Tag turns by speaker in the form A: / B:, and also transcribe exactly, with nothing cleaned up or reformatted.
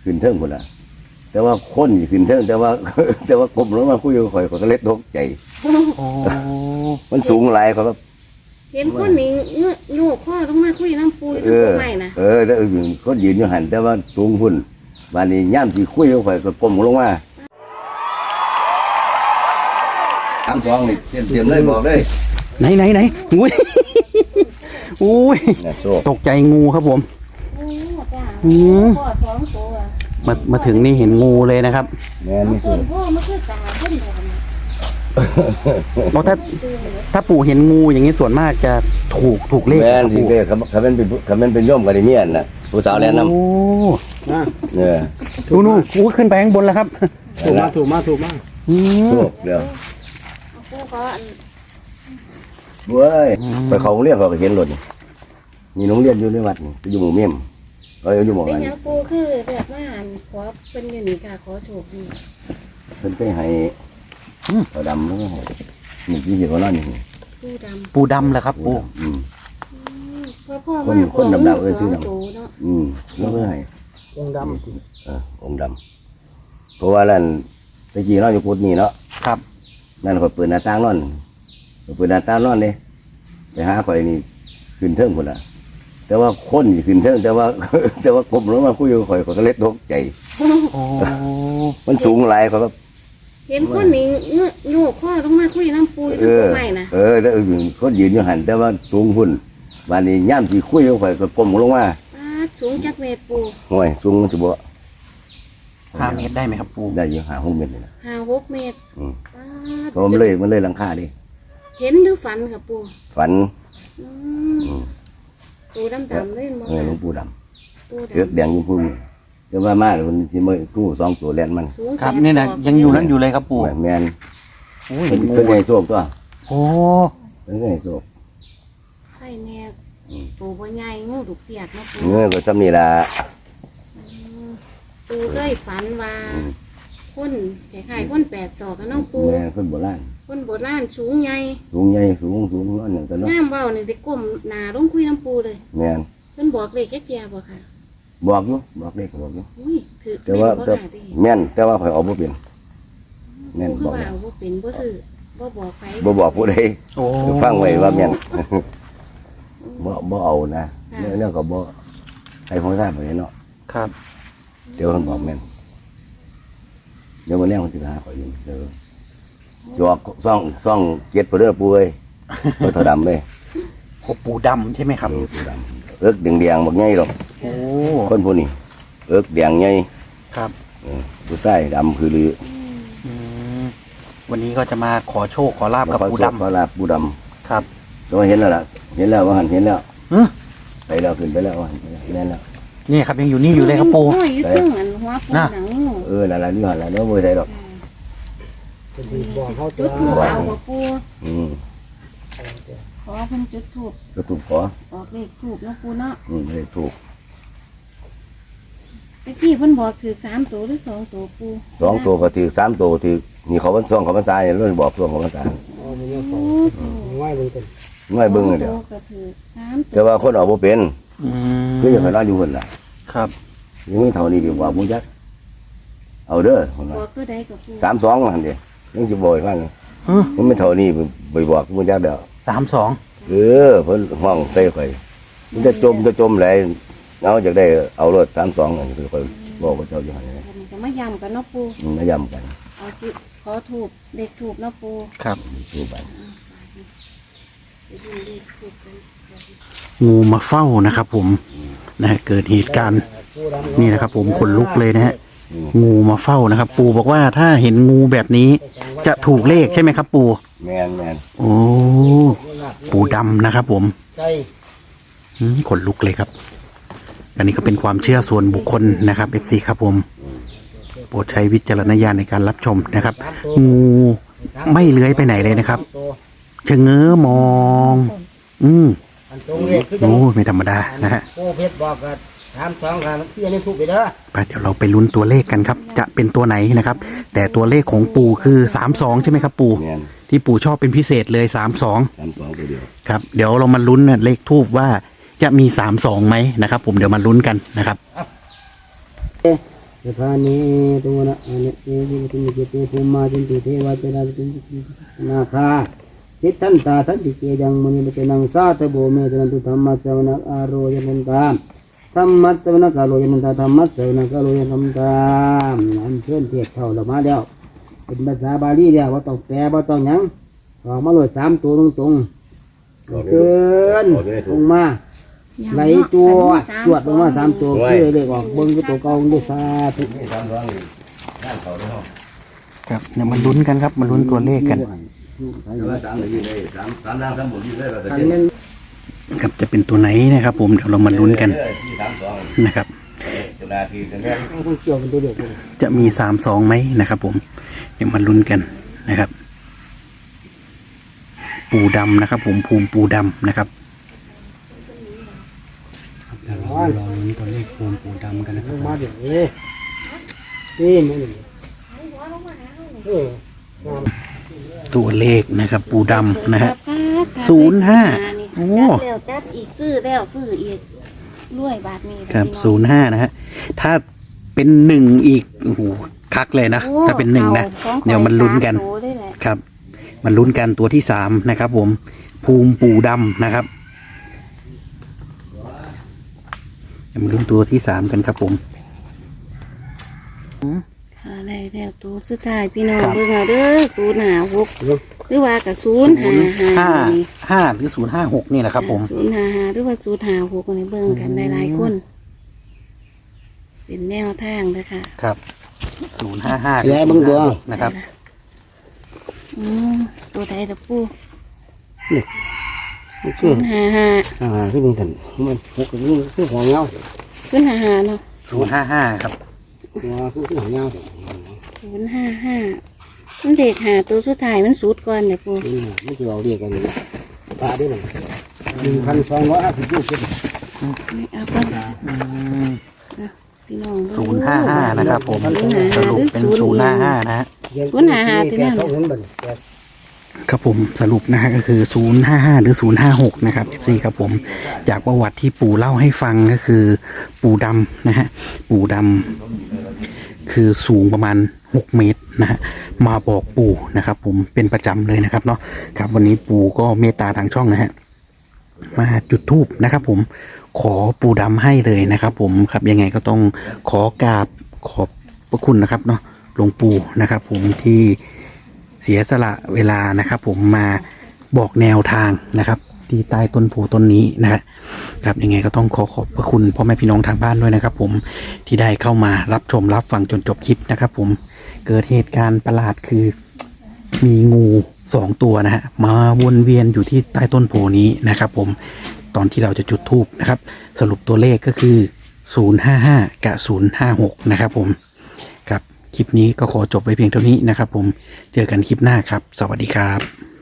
A: ขึ้นเทิงคนละแต่ว่าคนอยู่ขึ้นเทิงแต่ว่า แต่ว่ากลมลงมาคุยกับข่อยข่อยก็เล็ดตกใจ
B: โอ้
A: มันสูงหลายเขาก็
C: เห็นคนนี้เงื้อโยกข้อลงมาคุยน้ำปู
A: เอ
C: ทั้ง
A: อ
C: ใหม่นะ
A: เออแต่อื่นคนยืนอยู่หันแต่ว่าสูงพุ่นบานนี้ย่ามสีคุยกับข่อยก็กลมลงมาสามสองนี่เตรียมเตรียมเลยบอกเลย
B: ไหนไหนไหนอุ้ย อุ้ย
A: เนี่ยโซ่
B: ตกใจงูครับผม
C: โอ้จ้า
B: อืม
C: พ่อสองตัว
B: มามาถึงนี่เห็นงูเลยนะครับ
A: แม่น
C: เอา
A: นี่
C: ส่
A: โซ่
C: วนพ่อมาคือตาขึ้นแบบ
B: เพราะถ้าถ้าปู่เห็นงูอย่างนี้ส่วนมากจะถูกถูกเลข
A: แม่น
B: ครับ
A: ที่
B: ปู่
A: เด้เขาเขาเป็นเป็นเขาเป็นเป็นโย่อมกันได้เมียนน่ะผู้สาวแนะน
B: โอ้
A: ำเนี่ย
B: ดูนู่นอู้ขึ้นไปข้างบนแล้วครับ
D: ถูกมาถูกมาถูกมา
B: อืม
A: โซ่เดี๋ยว
C: เอาปูก็อัน
A: เว้ยไปเขาโรงเรียนเขาก็เห็นรถนี่มีโรงเรียนอยู่ในวัดนี่ไปอยู่หมู่เมี่ยมเอ้ยอยู่หมู่
C: เป็น
A: กัน
C: หยังปูคือแบบว่าอันขอเป็นอยู่นี่ค่ะขอโชคดี
A: เพิ่นไปให้เขาดำแล้วก็ให้นี่ที่เขานั่นนี่
C: ปูด
B: ปูดำเหรอครับปู่
A: อืม
C: ำพ่อพ่อ
A: ค
C: ว่าน
A: คนดำๆเอ้ยชื่อดำ
C: สงตัวเนาะ
A: อืมแล้วก็ให้
D: องค์ด
A: เออองค์ดำเพราะว่านั่นตะกี้เราอยู่กุดนี่เนาะ
B: ครับ
A: นั่นเขาเปิดหน้าต่างนอนเขาเปิดหน้าต่างนอนเลยไปหาข่อยนี่ขึ้นเทิงคนละแต่ว่าคนอยู่ขึ้นเทิงแต่ว่า แต่ว่ากลมลงมาคุยกับข่อยข่อยก็เล็ดตกใจ
B: โอ้
A: มันสูงหลายเขาก็
C: เห็นคนนี้เงื้อโยกข้อลงมาคุยน้ำปู
A: เอ
C: ทั้ง
A: อ
C: ใหม่นะ
A: เออแต่อื่นคนยืนอยู่หันแต่ว่าสูงพุ่นบานนี้ย่ามสีคุยกับข่อยก็กลมลงมา
C: ปาดสูงจักเมตรปู
A: ห่วยสูงมันจะบ่
B: ห้าเมตรได้ไหมครับปู่
A: ได้อยู่หาหกเมตรเลยนะ
C: ห้าหกเมตร
A: อืม
C: ปาด
A: เพราะมันเลยมันเลยหลังคาดิ
C: เห็นหรือฝันค่ะปู
A: ฝัน
C: อืม
A: อืม
C: ปูดำดำๆเลยมั้ง
A: เออหลวงปู่ด
C: ปู
A: ำเลือกแดงอยิ่งพุ่นแต่ว่ามาแล้วมันที่มือกู้สองตัวแลนมัน
C: สูง
B: ครับ
C: แปด
B: นี่นะ
C: ศอก
B: ยังอยู่นั้นอยู่เลยครับปู่
A: แมน
B: โอ้ยเห็นงู
A: เป็นไงโชคตัว
B: โอ้
A: เป็นไงโชค
C: ใช่แน่ปูบ่ใหญ่งูดุกเสียดนะปู
A: เงื่อก็จำนี่ละ
C: อืมปูเคยฝันว่า
A: อืม
C: คนคล้ายๆคนแปดศอกกับน้องปู
A: แม่นคนโบราณ
C: คนโบราณสูงใหญ่
A: สูงใหญ่สูงสูงนั่นอย่างกันเนาะ
C: งามเบ้านี่ได้ก้มหน้าลงคุยน้ำปูเลย
A: แมน
C: เพิ่นบอกเลขแค่เจียบ่ค่ะ
A: บอกอยู่บอกเลขก็บอกอยู่
C: อุ้ยถือ
A: แต่ว่า
C: บ่
A: แต่
C: ค่ะที่
A: แม่นแต่ว่าข่อยเอาบ่เป็น แม่น
C: ปู
A: บ
C: คือ อก ว่า
A: แล้ว
C: เอาบ่เป็นบ่ซื้อบ่บอกไป
A: บ่บอกผู้ใด
B: โอ้
A: ฟังไว้ว่าแม่น บ่บ่เอานะเรื่องก็บ่ให้ของท่านไปเนาะ
B: ครับ
A: เดี๋ยวเพิ่นบอกแม่นเดี๋ยวมื้อแรกเพิ่นสิหาข่อยอยู่เด้อจอกซ่องซ่องเจ็ดพุ่นเด้อปุ้ยบ่เท่าดำเลย
B: โอ้ปูดำใช่ไหมครับ
A: เออปูดำเอิกแดงๆบักใหญ่ดอก
B: โอ้
A: คนผู้นี้เอิกแดงใหญ่
B: ครับ
A: เออผู้ชายดำคือลือ
B: อืมวันนี้ก็จะมาขอโชคขอลาบกับ
A: ขอ
B: ปู
A: โชค
B: ดำ
A: ขอลาบปูดำ
B: ครับ
A: แต่ว่าเห็นแล้วล่ะเห็นแล้วว่าหันเห็นแล้ว
B: อืม
A: ไปแล้วขึ้นไปแล้วว่าหันไปแล้วเห็นแล้ว
B: นี่ครับยังอยู่นี่อยู่เลยครับปู
C: โอ้ยอยู่ตึ้งอันหัวปู
B: น่ะ
C: หนังงู
A: เออนั่นล่ะนี่หันล่ะเนาะบ่ใช่ดอก
D: ำจะดีบอกเขา
C: จุ
D: จะ
C: ดถูกเอาบ่ปู
A: อืม
C: ขอเพิ่นจุดถูก
A: ก็ถูกขอ
C: ออกเลขถูกเนาะปูเนาะ
A: อืมไม่ได้ถูก
C: ตะกี้เพิ่นบอกถือสามตัวหรือสองตัวปู
A: สองตัวก็ถือสามตัวถือนี่เขาวันซ่องเขาวันซ้ายเนี่ยเราบอกซ่องเขาวันซ้าย
D: เอาไปยัง
C: โอ้
D: สอง
C: โห
D: ง่ายเบิ่งกัน
A: ไม่เบิ่งเลยเดียว
C: สองตัวก็ถือสามตั
A: แต่
C: ว
A: ว่าคนออกบ่เป็น
B: อืม
A: คืออย่างไรอยู่คนล่ะ
B: ครับ
A: ยังไม่เท่านี้ดีกว่ามุจักเอาเด้อคนน่ะ
C: บอกตัวใดกับปู
A: สามสองหันเดียวยังสิบ่อยฟัง
B: อืม
A: มันไม่เท่านี้ไปบอกมุจักเดียว
B: สามสอง
A: เออเพิ่นห้องใส่ข่อยมันจะจมจะจมไหลเอาจากได้เอารถสามสองอันนี้คือข่อยบอกว่าเจ้าอยู่หันนี่
C: มันจะมาย้ำกันเนาะปู
A: มันมาย้ำกัน
C: เอาที่ขอถูกเด็กถูกเนาะปู
B: ครับ
A: ดูไป
C: ไปดูเลขถูกกัน
B: งูมาเฝ้านะครับ ผมนะฮะเกิดเหตุการณ์
D: ผู้ดำ
B: นี่นะครับ ผมขนลุกเลยนะฮะงูมาเฝ้านะครับ ปู่บอกว่าถ้าเห็นงูแบบนี้ จะถูกเลขใช่ไหมครับ ปู่
A: แม่นแม่น
B: โอ้ปู่ดำนะครับ ผม
D: ใจ
B: อืมขนลุกเลยครับ อันนี้ก็เป็นความเชื่อส่วนบุคคลนะครับเอฟซีครับผมโปรดใช้วิจารณญาณในการรับชมนะครับ งูไม่เลื้อยไปไหนเลยนะครับชะเง้อมอง อืม
D: อันตรงเลขคือจัง
B: โอ้ไม่ธรรมดานะฮะ
D: โอ้เพชรบอกกันถามสองกันเพี่อันนี้ถูกไปเด้อ
B: ไปเดี๋ยวเราไปลุ้นตัวเลขกันครับ จะเป็นตัวไหนนะครับ แต่ตัวเลขของปู่คือสามสองใช่ไหมครับ ปู่
A: แม่น
B: ที่ปู่ชอบเป็นพิเศษเลยสามสอง
A: สามสองตัวเดียว
B: ครับ เดี๋ยวเรามาลุ้นนะเลขทูบว่าจะมีสามสองไหมนะครับ ผมเดี๋ยวมาลุ้นกันนะครับ
D: สถานีตัวนะอันนี้เอวิตุมิเกเตภูมิมาจินติเทวะเจราจินตินาคาทิทันตาทันติเกยังมุนิเตนังสาตโบเมตนันตุธรรมะเจวนะอารยนันตามธรรมะเจวนะกาโลยนันตาธรรมะเจวนะกาโลยนันตามอันเชิญเทียบเท่าเรามาแล้วเป็นภาษาบาลีแล้วว่าต้องแปลว่าต้องหยังออกมาเลยสามตัวตรงตรงเกินลงมาไหลตัวจวดลงมาสามตัวคือเลขออกเบิ้งก็ตัวเก่าด้วยซาธุ
A: นี่สามร้อยนี่ด้านเขาด้วยเนาะ
B: ครับเดี๋ยวมาลุ้นกันครับมาลุ้นตัวเลขกัน
A: แต่ว่าสามเลยอยู่เลยสามสามล่างสามบนอยู่เลยว่าแต่
D: อัน
A: เจ็ด
D: นั้น
B: ครับจะเป็นตัวไหนนะครับผมเดี๋ยวเรามาลุ้นกัน
A: สี่สามสอง
B: นะครับ
A: จุฬาทีกันแค่
D: เอาคนเกี่ยวเป็นตัวเดียวกัน
B: จะมีสามสองไหมนะครับผมเดี๋ยวมาลุ้นกันนะครับ ปูดำนะครับ ผมภูมิปูดำนะครับเดี๋ยวเรารอลุ้นตัวเลขภูมิปูดำกันนะค
D: ล
B: รับ
D: งมาเดี๋ยวนี้นี่มันนี่เออ
B: ตัวเลขนะครับ ปูดำนะฮะ ศูนย์ห้าโอ้
C: จัดแล้วจัดอีกซื้อแล้วซื้ออีกรวยบาทนี้
B: ครับ
C: พี่อง
B: ศูนย์ห้านะฮะถ้าเป็นหนึ่งอีกโอ้โหคักเลยนะ
C: โอ้
B: ถ้าเป็นหนึ่งนะ
C: อาของ
B: เดี๋ยวมันลุ้นกัน
C: สามโตได้แหละ
B: ครับมันลุ้นกันตัวที่สามนะครับ ผมภูมิปูดำนะครับเดี๋ยวมาลุ้นตัวที่สามกันครับผม
C: ค่ะได้แล้วตัวสุดท้ายพี่น้อง
B: ครับ
C: เบิ่งเอาเด้อศูนย์ห้าหกหรือว่ากับศูนย์ห้าห้า
B: ห้าห้าหรือศูนย์ห้าหกนี่แหละครับผม
C: ศูนย์ห้าห้าหรือว่าศูนย์ห้าหกนี่เบิ่งกันหลายๆคน เป็นแนวทางเด้อค่ะ
B: ครับศูนย์ห้าห้า
D: ย้ายเบิ่งตัว
B: นะครับ
C: อืมตัวใดตะปู
D: คื
C: ศู
D: อน
C: ย์ห้าห้า
D: อ่าคือมึงทันมันหกนี่คือหัวเงา
C: ศูนย์ห้าห้าเนาะ
B: ศูนย์ห้าห้าครับ
D: หัวคือหัวเงา
C: ศูนย์ห้าห้ามันเด็กหาตัวสุดท้ายมันสูดก่อนเนี่ยปู
D: นี่ไม่จะเราเรียกกันนี่ปลาได้หนึ่งหนึ่งพันสองร้อยห้าสิบลูกขึ้น
C: ไม่เอาก่อนอ่ะพี่น้องเบิ่ง
B: ศูนย์ห้าห้านะครับผม
C: ศูนย์ห้า
B: ส
C: ห้า
B: รุ
C: ห
B: ป
C: รือ
B: เป็น
C: ศูนย์
B: ศูนย์
C: อี
B: ห้าห้านะฮะ
C: ศูนย์ห้าห้าที่นั่น
D: สองเห็นบ่นี่
B: ครับผมสรุปนะฮะก็คือศูนย์ห้าห้าหรือศูนย์ห้าหกนะครับสี่ครับผมจากประวัติที่ปู่เล่าให้ฟังก็คือปู่ดำนะฮะปู่ดำคือสูงประมาณหกเมตรนะฮะมาบอกปู่นะครับ ผมเป็นประจำเลยนะครับเนาะครับวันนี้ปู่ก็เมตตาทางช่องนะฮะมาจุดธูปนะครับ ผมขอปู่ดำให้เลยนะครับ ผมครับยังไงก็ต้องขอกราบขอบพระคุณนะครับเนาะหลวงปู่นะครับ ผมที่เสียสละเวลานะครับ ผมมาบอกแนวทางนะครับ ที่ใต้ต้นโพต้นนี้นะครับครับยังไงก็ต้องขอขอบพระคุณพ่อแม่พี่น้องทางบ้านด้วยนะครับ ผมที่ได้เข้ามารับชมรับฟังจนจบคลิปนะครับ ผมเกิดเหตุการณ์ประหลาดคือมีงูสองตัวนะฮะมาวนเวียนอยู่ที่ใต้ต้นโพนี้นะครับ ผมตอนที่เราจะจุดธูปนะครับ สรุปตัวเลขก็คือศูนย์ห้าห้ากับศูนย์ห้าหกนะครับ ผมครับคลิปนี้ก็ขอจบไว้เพียงเท่านี้นะครับ ผมเจอกันคลิปหน้าครับ สวัสดีครับ